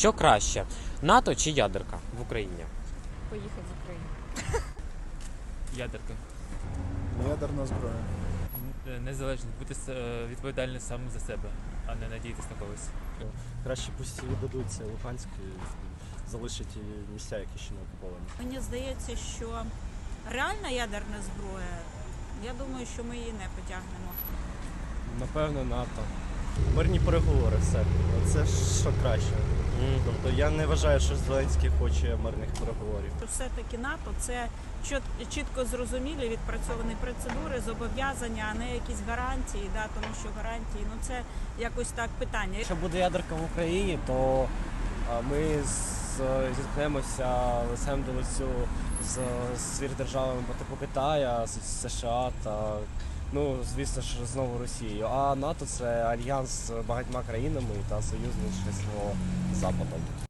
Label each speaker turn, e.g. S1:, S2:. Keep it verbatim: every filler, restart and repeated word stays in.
S1: Що краще, НАТО чи ядерка в Україні?
S2: Поїхати з України.
S3: Ядерка.
S4: Ядерна зброя.
S3: Незалежно бути е, відповідальним сам за себе, а не надіятися на когось.
S5: Краще пусть віддадуться Луганськ і залишать ті місця, які ще не окуповані.
S6: Мені здається, що реальна ядерна зброя, я думаю, що ми її не потягнемо.
S5: Напевно, НАТО. Мирні переговори все. Це що краще. Тобто я не вважаю, що Зеленський хоче мирних переговорів.
S6: Все-таки НАТО – це чіт- чітко зрозумілі відпрацьовані процедури, зобов'язання, а не якісь гарантії, да, тому що гарантії, ну це якось так питання.
S7: Якщо буде ядерка в Україні, то а, ми з- зіткнемося лицем до лицю з свірдержавами по типу Китая, з США та, ну, звісно ж, знову Росією. А НАТО – це альянс з багатьма країнами та союзництво з Западом.